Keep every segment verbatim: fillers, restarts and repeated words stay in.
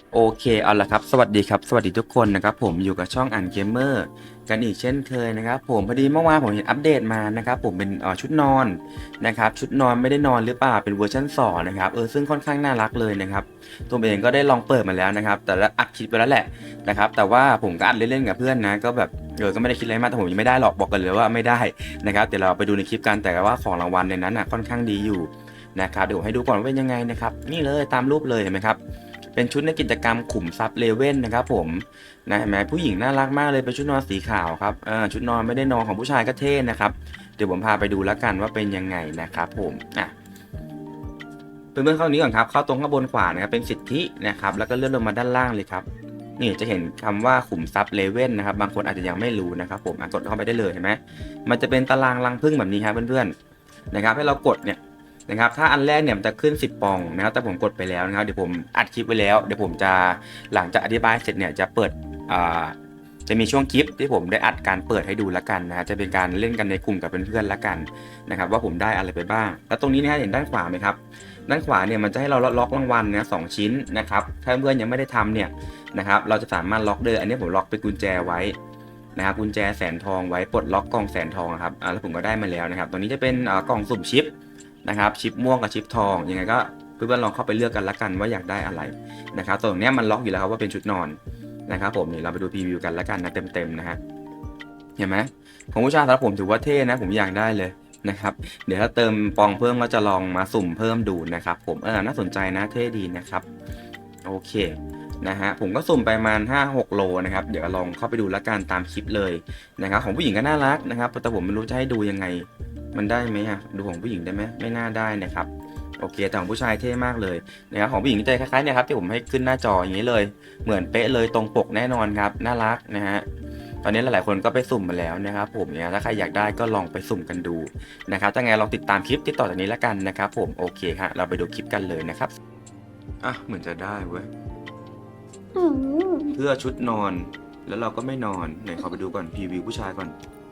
โอเคเอาละครับสวัสดีครับสวัสดีทุกคนนะครับผมอยู่กับช่องอ่านเกมเมอร์กันอีกเช่นเคยนะครับผมพอดีเมื่อวานผมเห็นอัปเดตมานะครับผมเป็นเอ่อชุดนอนนะครับชุดนอนไม่ได้นอนหรือเปล่าเป็นเวอร์ชันสองนะครับเออซึ่งค่อนข้างน่ารักเลยนะครับตัวเองก็ได้ลองเปิดมาแล้วนะครับแต่ละอัดคลิปไปแล้วแหละนะครับแต่ว่าผมก็อัดเล่นๆกับเพื่อนนะก็แบบเออก็ไม่ได้คิดอะไรมากแต่ผมยังไม่ได้หรอกบอกกันเลยว่าไม่ได้นะครับเดี๋ยวเราไปดูในคลิปกันแต่ว่าของรางวัลในนั้นน่ะค่อนข้างดีอยู่นะครับเดี๋ยวผมให้ดูก่อนว่าเป็นยังไงนะครับนี่เลยตามรูปเลยเห็นไหมครับ เป็นชุดในกิจกรรมขุมทรัพย์เลเว่นนะครับผมนะเห็นไหมผู้หญิงน่ารักมากเลยเป็นชุดนอนสีขาวครับอ่าชุดนอนไม่ได้นอนของผู้ชายก็เท่นะครับเดี๋ยวผมพาไปดูแล้วกันว่าเป็นยังไงนะครับผมอ่ะเพื่อนๆเข้านี้ก่อนครับเข้าตรงข้างบนขวานะครับเป็นสิทธินะครับแล้วก็เลื่อนลงมาด้านล่างเลยครับนี่จะเห็นคำว่าขุมทรัพย์เลเว่นนะครับบางคนอาจจะยังไม่รู้นะครับผมอ่ะกดเข้าไปได้เลยเห็นไหมมันจะเป็นตารางรังผึ้งแบบนี้ครับเพื่อนๆนะครับให้เรากดเนี่ยนะครับถ้าอันแรกเนี่ยมันจะขึ้นสิบปองนะครับแต่ผมกดไปแล้วนะครับเดี๋ยวผมอัดคลิปไว้แล้วเดี๋ยวผมจะหลังจากอธิบายเสร็จเนี่ยจะเปิดอ่าจะมีช่วงคลิปที่ผมได้อัดการเปิดให้ดูแล้วกันนะจะเป็นการเล่นกันในกลุ่มกับเพื่อนๆแล้วกันนะครับว่าผมได้อะไรไปบ้างแล้วตรงนี้นะเห็นด้านขวาไหมครับด้านขวาเนี่ยมันจะให้เราล็อกรางวัลนะสองชิ้นนะครับถ้าเพื่อนยังไม่ได้ทำเนี่ยนะครับเราจะสามารถล็อกเลยอันนี้ผมล็อกเป็นกุญแจไว้นะครับกุญแจแสนทองไว้ปลดล็อกกล่องแสนทองครับอ่าแล้วผมก็ได้มาแล้วนะครับตรงนี้จะเป็นอ่ากล่องสุ่มชิปนะครับชิปม่วงกับชิปทองยังไงก็เพื่อนๆลองเข้าไปเลือกกันละกันว่าอยากได้อะไรนะครับตรงนี้มันล็อกอยู่แล้วครับว่าเป็นชุดนอนนะครับผมนี่เราไปดูพรีวิวกันละกันนะเต็มๆนะฮะเห็นไหมของผู้ชายสำหรับผมถือว่าเท่นะผมอยากได้เลยนะครับเดี๋ยวถ้าเติมปองเพิ่มก็จะลองมาสุ่มเพิ่มดูนะครับผมเออน่าสนใจนะเท่ดีนะครับโอเคนะฮะผมก็สุ่มไปประมาณ ห้าหก โลนะครับเดี๋ยวลองเข้าไปดูละกันตามคลิปเลยนะครับของผู้หญิงก็น่ารักนะครับแต่ผมไม่รู้จะให้ดูยังไงมันได้ไหมอะดูของผู้หญิงได้ไหมไม่น่าได้นะครับโอเคแต่ของผู้ชายเท่มากเลยนะครับของผู้หญิงจะคล้ายๆเนี่ยครับที่ผมให้ขึ้นหน้าจออย่างนี้เลยเหมือนเป๊ะเลยตรงปกแน่นอนครับน่ารักนะฮะตอนนี้หลายๆคนก็ไปสุ่มมาแล้วนะครับผมเนี่ยถ้าใครอยากได้ก็ลองไปสุ่มกันดูนะครับถ้าไงลองติดตามคลิปที่ต่อจากนี้ละกันนะครับผมโอเคฮะเราไปดูคลิปกันเลยนะครับอ่ะเหมือนจะได้เว้ยอืมเพื่อชุดนอนแล้วเราก็ไม่นอนไหนขอไปดูก่อนพรีวิวผู้ชายก่อน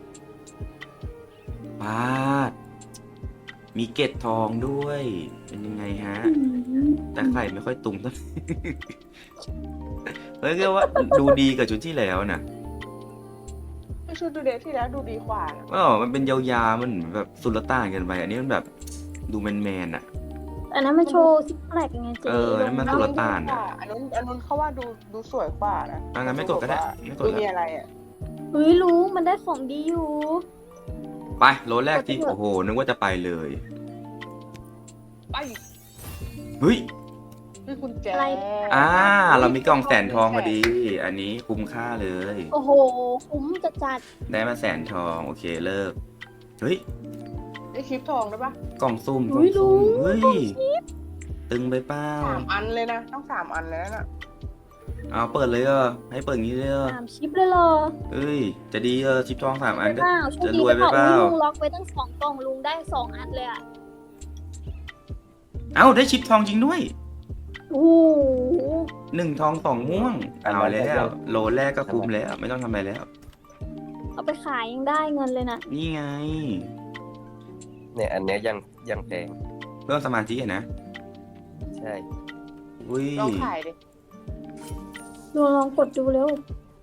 ปาดมีเกล็ดทองด้วยเป็นยังไงฮะแต่ไข่ไม่ค่อยตุงเท่า เฮ้ยก็ว่าดูดีกับชุดที่แล้วนะชุดดูเดทที่แล้วดูดีกว่านะอ๋อมันเป็นยาวๆมันเหมือนแบบสุลต่านเกันไปอันนี้มันแบบดูแมนๆอ่ะอันนั้นมันโชว์ซิกแพคไงเจ๊เออนั่นมันสุลต่านอ่ะอ่ะอันนู้นอันนู้นเขาว่าดูดูสวยกว่านะอ่ะงั้นไม่กดก็ได้ไม่กดดูแล้วมีอะไรอ่ะเฮ้ยลุงมันได้ของดีอยู่ไปโลแรกที่โอ้โหนึกว่าจะไปเลยไปเฮ้ยนี่คุณแจอะไรอ่าเรามีกล่องแสนทองพอดี อันนี้คุ้มค่าเลยโอ้โหคุ้มจัดจัดได้มาแสนทองโอเคเลิกเฮ้ยได้คลิปทองได้ปะกล่องซุ่มกล่เฮ้องยลุซุ่มงเฮ้ยตึงไปเปล่าสามอันเลยนะต้องสามอันเลยนะเอาเปิดเลยเออให้เปิดงี้เลยเออสามชิปเลยเหรอเอ้ยจะดีเออชิปทองสามอันก็เปล่าโชคจะดีรวยไปไปเปล่าเปล่าอุ๊ยลุงล็อกไว้ตั้งสองกล่องลุงได้สองอันเลยอ่ะเอ้าได้ชิปทองจริงด้วยโอ้โหหนึ่งทองสองม่วงเอาแล้วโลแรกก็คุ้มแล้วไม่ต้องทำอะไรแล้วเอาไปขายยังได้เงินเลยนะนี่ไงเนี่ยอันเนี้ยยังยังแพงเพิ่มสมาธิอะนะใช่อุ้ยลองถ่ายดิลุงลองกดดูเร็ว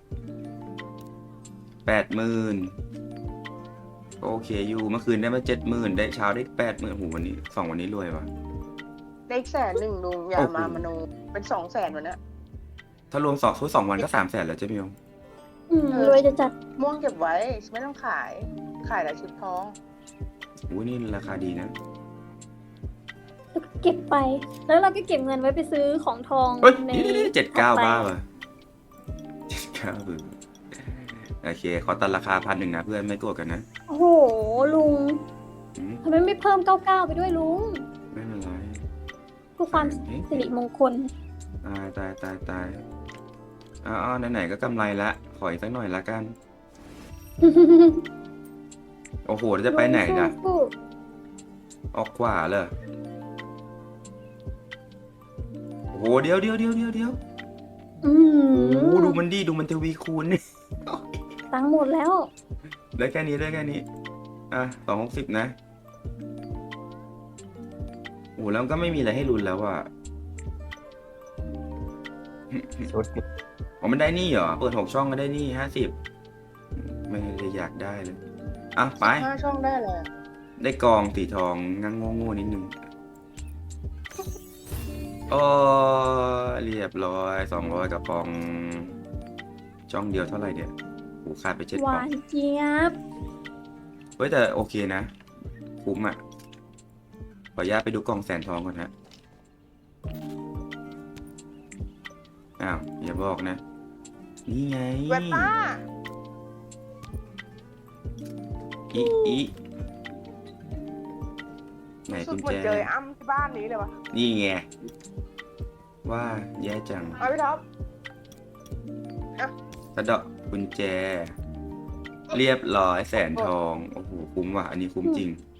แปดหมื่นโอเคอยู่เมื่อคืนได้มาเจ็ดหมื่นได้เช้าได้แปดหมื่นโหวันนี้สองวันนี้รวยว่ะได้อีกแสนหนึ่งลุงอย่าโอ้โหมามโนเป็นสองแสนวันเนี้ยถ้ารวมสองทุกสองวันก็สามแสนแล้วเจ๊มิวอืมรวยจะจัดม่วงเก็บไว้ไม่ต้องขาย ขายแต่ชุดทองอุ้ยนี่ราคาดีนะเก็บไป แล้วเราก็เก็บเงินไว้ไปซื้อของทองเฮ้ยในเจ็ดเก้าถัไปบ้าว่ะเจ็ดเก้าบึ้โอเค ขอตัดราคาพันหนึ่งนะเพื่อนไม่โกรธกันนะโอ้โหลุงอืมทำไมไม่เพิ่มเก้าเก้าไปด้วยลุงไม่เป็นไรเพื่อความเอ๊ะสิริมงคลตายตายตายตายอ้าวไหนๆก็กำไรละ ขออีกสักหน่อยละกัน โอ้โหแล้วจะไปไหนนะสู้ออกขวาเลยโอ้โหเดี๋ยวเดี๋ยวเดี๋ยวเดี๋ยวเดี๋ยวๆอืโอ้โหมดูมันดีดูมันทวีคูณนี่ตังค์หมดแล้วได้แค่นี้ได้แค่นี้ อ่ะสองหกสิบนะโอ้แล้วก็ไม่มีอะไรให้ลุ้นแล้วอ่ะชุดนี้อ๋อมันได้นี่เหรอ เปิดหกช่องก็ได้นี่ห้าสิบไม่ได้อยากได้เลย อ่ะ ไปห้าช่องได้เลยได้กองสีทองงังโง่ๆนิดนึง โอ้เรียบร้อยสองร้อยกระป๋อง ช่องเดียวเท่าไหร่เนี่ยโหขาดไปเจ็ดหกล่วาองนเจี๊ยบเฮ้ยแต่โอเคนะ คุ้มอ่ะ ขออนุญาตไปดูกล่องแสนทองก่อนฮะ อ้าว อย่าบอกนะ นี่ไงเวต้าอีอีไหนสุกุดญเหมือแจนเจอไอ้อ้ำที่บ้านนี้เลยวะนี่ไง ว่าแย่จังเอาพี่ท็อปกระเดาะกุญแจ เรียบร้อยแสนทอง โอ้โห คุ้มว่ะ อันนี้คุ้มจริง